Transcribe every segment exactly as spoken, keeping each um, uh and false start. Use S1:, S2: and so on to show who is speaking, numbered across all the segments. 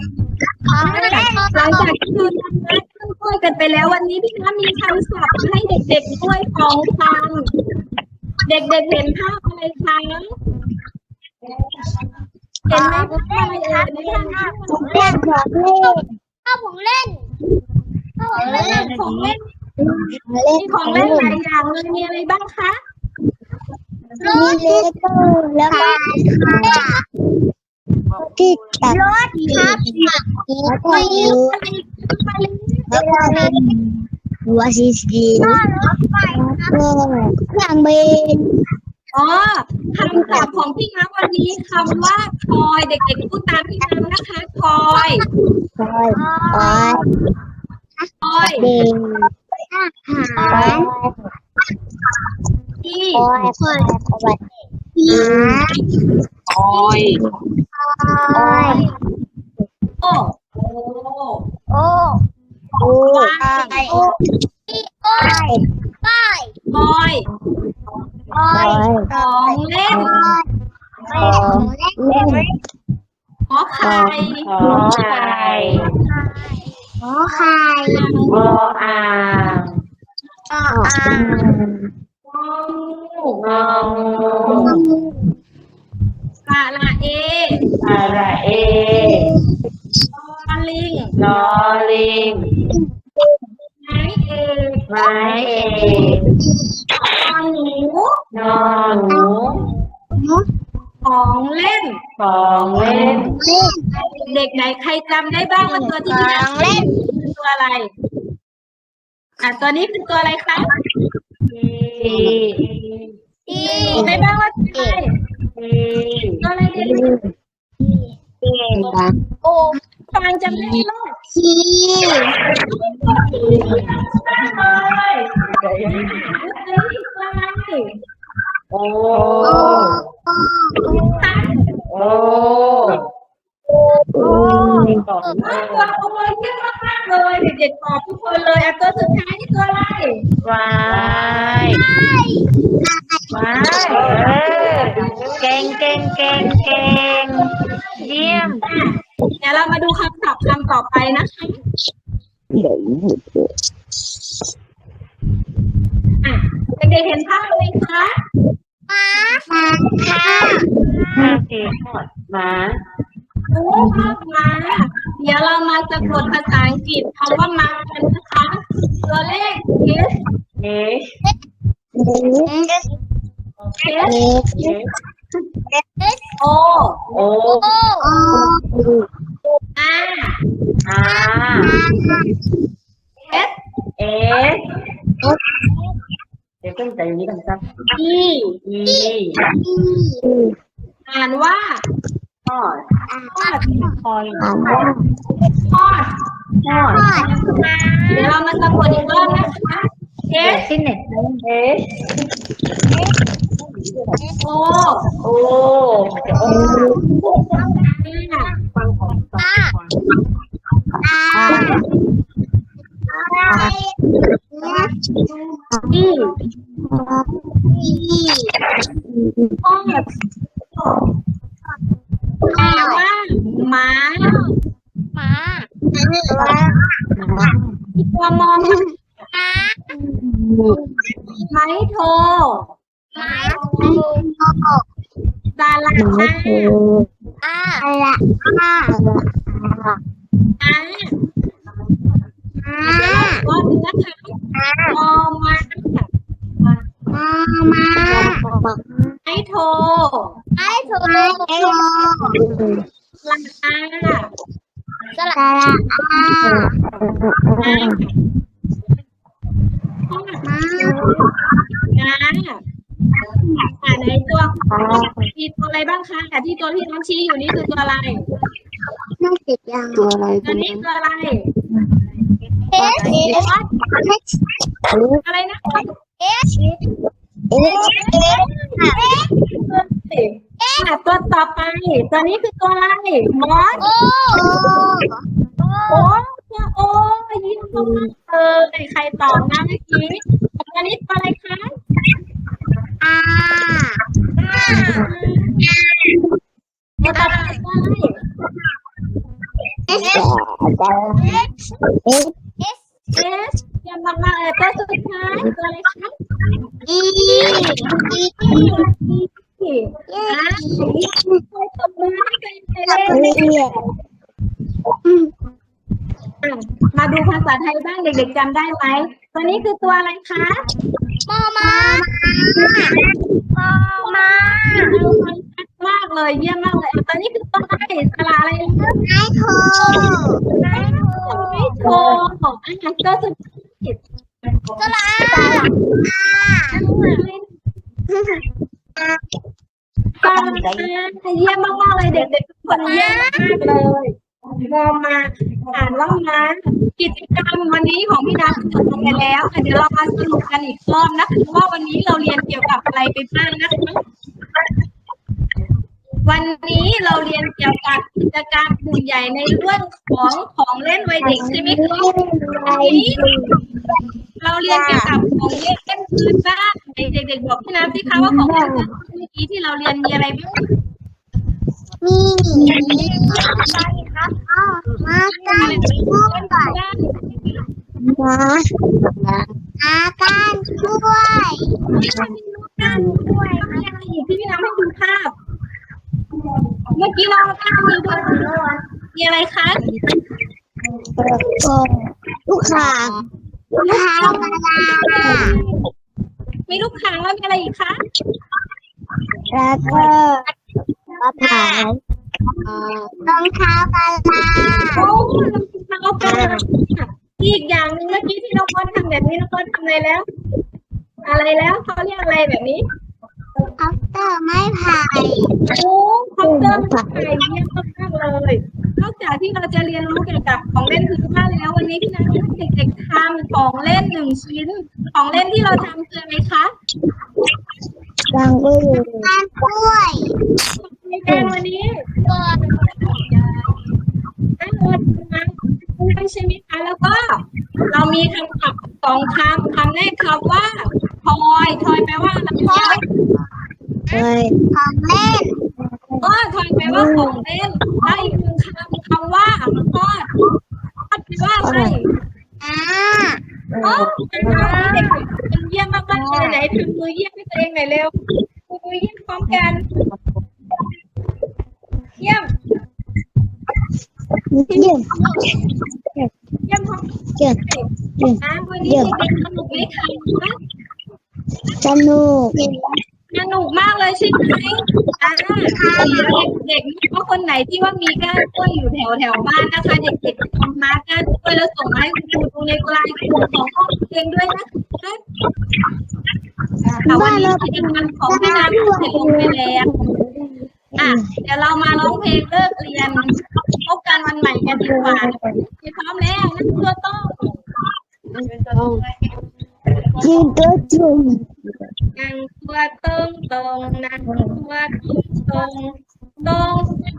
S1: หลังจากที่เราทำงานช่วยกันไปแล้ววันนี้พี่คะมีคำศัพท์ให้เด็กๆด้วยของคำเด็กๆเห็นภาพอะไรคะเห็นไหมภาพอะไรเอ่ยในภาพนี้
S2: เล่นของเล่น
S3: ข้าวของเล่นข้าวของเล่น
S1: ของเล่น
S2: เล่
S1: มี
S2: น
S1: ของเล่นหลายอย่างเลยมีอะไรบ้างคะ
S2: มีเลโก้แล้วก็ที่จับ
S3: รถครับ
S2: แล้วก็ยู
S1: อะไรอะไร
S2: แล้วก็หัวสีสีแล้วก็เครื่องบิน
S1: อ๋อคำศัพท์ของพี่น้ำวันนี้คำว่าคอยเด็กๆพูดตามพี่น้ำนะคะคอย
S2: คอยคอย
S1: คอย
S2: เดินคอย
S1: ที่
S2: คอยคอยคอย
S4: คอย
S2: คอย
S1: โอ้โอ้
S3: โอ้
S2: โอ้
S1: วาย
S3: โอ้ป้ายป้าย
S1: คอย
S2: คอย
S1: ของเล่น
S2: ของเล่น
S1: ขอไข่
S4: ขอไข่
S2: ขอไข่
S4: วออ่าง
S2: อ่าง
S1: งองู
S4: งองู
S1: สระเอ
S4: สระเอ
S1: ลอลิง
S4: ลอลิง
S1: ไม้เอก
S4: ไม้เอก
S1: นอนหนู
S4: นอนหนู
S1: ของเล่น
S4: ของเล่น
S1: เด็กไหนใครจำได้บ้างว่าตัวที่พี่น้ำเล่นคือตัวอะไรอ่ะตัวนี้คือตัวอะไรคะ
S4: ที
S3: ที
S1: บอกได้บ้างว่าตัวอะไร
S4: ที
S1: ตัวอะไรเด็ก
S3: โอ้
S1: ๆฟังจำได้ไหม
S2: ที่
S1: เลยตัวนี้ตัวอะไร
S4: โอ้
S1: ตั้ง
S4: โอ้โอ้ตอบ
S1: ตัวขโมยเยอะมากๆเลยเด็กๆตอบทุกคนเลยอ่ะตัวสุดท้ายนี่ตัวอะไร
S4: วายว้ายเออเก่งเก่งเก่งเก่งเยี่ยม
S1: เดี๋ยวเรามาดูคำศัพท์คำต่อไปนะคะอ่ะเด็กๆเห็นภาพไหมคะ
S3: ม้า
S2: มาค่ะ
S4: ห้าสี่หอดหมา
S1: โอ้ภาพมาเดี๋ยวเรามาสะกดภาษาอังกฤษคำว่ามากันนะคะตัวเลข S
S4: เอช
S1: S
S4: เอช
S1: O
S4: โอ
S3: โอ้
S1: R
S4: อา
S1: S
S4: เอสเดี๋ยวขึ้นใจนี้กันสัก
S1: E
S4: อี
S1: อ่านว่า
S4: ทอด
S1: ทอด
S4: คอย
S2: ถามว่า
S1: ทอด
S4: ทอด
S1: เดี๋ยวเรามาสะกดอีกรอบนะคะ S
S4: ที่ไหนเอส
S1: O
S4: โอ้จะโอ้
S1: R
S4: ฟังของฟังของ
S1: E ทอดแปลว่าหมา
S3: ม้า
S1: ตัวมอง
S3: ม้า
S1: ไม้โท
S3: ม้า
S1: ดารา
S2: ไม่
S1: อา
S2: ถูก
S3: อา
S2: อะไรอ่ะ
S1: อา
S2: อ่า
S1: ก็นะคะมอมา
S2: มามา
S1: ไม้โท
S3: ไอ้ถูก
S2: ไม่ถูก
S1: ลาอา
S3: สลั
S2: ส
S3: ด
S2: ระอา
S1: อาทอด
S2: มา
S1: นาอ่าในตัวมีตัวอะไรบ้างคะแต่ที่ตัวที่น้องชี้อยู่นี่คือตัวอะไร
S2: ไม่ติดยังตัวอะไร
S1: ตัวนี้ตัวอะไร
S3: เอสเอส
S1: อะไรนะ
S3: เอส
S2: เอสเอส
S1: อ่ะตัวต่อไป ตัวนี้คือตัวอะไรมอส
S3: โอ้
S1: โอ้ตัวโอ้ยิ้มมากเลยใครตอบนะเมื่อกี้ตัวนี้ตัวอะไรคะ
S2: อา
S1: ตัวต่อไปตัวอะไร
S2: เอเอส
S1: เอสเยี่ยมมากๆเลยตัวสุดท้ายตัวอะไรคะ
S3: อี
S1: อีอ่ะช่วยตบมือให้ตัวเองเลย
S2: เรีย
S1: อ่ะมาดูภาษาไทยบ้างเด็กๆจำได้ไหมตัวนี้คือตัวอะไรคะ
S3: มอมาปอมา
S1: ดูมันชัดมากเลยเยี่ยมมากเลยอ่ะตัวนี้คือตัวอะไรสระอะไรนะ
S3: ไม้โทไม้โท
S1: ไม่โทรของอ่ะตัวสุดท้าย
S3: สระอา
S1: ตาเยี่ยมมากๆเลยเด็กๆทุกคนเยี่ยมมากเลยมองมาอ่านว่ามากิจกรรมวันนี้ของพี่นัทจบลงไปแล้วค่ะเดี๋ยวเรามาสรุปกันอีกรอบนะคะว่าวันนี้เราเรียนเกี่ยวกับอะไรไปบ้างนะคะวันนี้เราเรียนเกี่ยวกับกิจกรรมกลุ่มใหญ่ในเรื่องของของเล่นวัยเด็กใช่ไหมคะวันนี้เราเรียนเกี่ยวกับของเล่นพื้นบ้านเด็กๆบอกพี่นัทสิคะว่าของเล่นพื้นบ้านเมื่อกี้ที่เราเรียนมีอะไรบ้าง
S3: มีอะไรครับอ๋อมากันช่วยก่อน
S2: มา
S3: อาการช่วย
S1: การด้วยอะไรอีกที่พี่น้ำให้ดูภาพ เมื่อกี้เราภาพมีด้วยมีอะไรคะ
S2: ลูกค้า
S3: ลูกค้ากระดาษ
S1: มีลูกค้างแล้วมีอะไรอีกคะ
S2: แล้วก็มะพร้าว
S3: รองเท้ากระดาษ
S1: โอ้เราทำเอาไปอีกอย่างหนึ่งเมื่อกี้ที่น้องก้อนทำแบบนี้น้องก้อนทำอะไรแล้ว อะไรแล้วเขาเรียกอะไรแบบนี้
S3: คอปเตอร์ไม้ไผ่
S1: โอ้คอมเตอร์ไทยเยี่ยมมากๆเลยนอกจากที่เราจะเรียนรู้เกี่ยวกับของเล่นพื้นบ้านแล้ววันนี้พี่นัทให้เด็กๆทำของเล่นหนึ่งชิ้น ของเล่นที่เราทำคืออะไรคะ
S2: ดังก็อยู่
S3: การกล้วย
S1: ในการวันนี้
S3: ก่อน
S1: นั่งรถมาใช่ไหมคะแล้วก็ เรามีคำศัพท์สองคำคำแรกคำว่าทอยทอยแปลว่าอะไรคะ
S2: เฮ้ย
S3: ของเล่น
S1: ก็ทอยแปลว่าของเล่นแล้วอีกหนึ่งคำคำว่าทอดทอดแปลว่าอะไร
S3: อ่า
S1: โอ้เป็นเด็กเป็นเยี่ยมมากๆเลยไหนทำมือเยี่ยมให้ตัวเองหน่อยเร็วมือเยี่ยมพร้อมกันเยี่ยม
S2: เยี่ยม
S1: เยี่ยมพร้อม
S2: เยี่ยม
S1: อ่ะวันนี้เด็กๆสนุกไหมคะ
S2: สนุก
S1: สนุกมากเลยใช่ไหมอ่าเด็กๆเพราะคนไหนที่ว่ามีก้านกล้วยอยู่แถวแถวบ้านนะคะ เด็กๆทำมาก้านกล้วยแล้วส่งมาให้คุณครูดูในไลน์กลุ่มของห้องเรียนด้วยนะคะแต่วันนี้กิจกรรมของพี่น้ำถูกเสร็จลงไปแล้วอ่ะเดี๋ยวเรามาร้องเพลงเลิกเรียนพบกันวันใหม่กันดีกว่าพร้อมแล้วนั่นคือต้อง
S2: ยืนตัวจุ่ม
S1: นั่งตัวตรงตรงนั่งตัวตรงตรง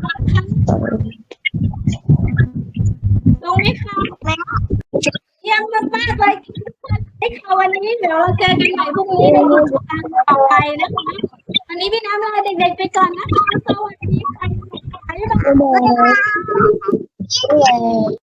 S1: ตรงไหมคะเยี่ยมมากๆเลยให้ค่ะวันนี้เดี๋ยวเราเจอกันใหม่พรุ่งนี้ในกิจกรรมต่อไปนะคะวันนี้พี่น้ำลาเด็กๆไปก่อนนะคะสวัสดีค่ะบ๊ายบาย
S2: บ๊ายบาย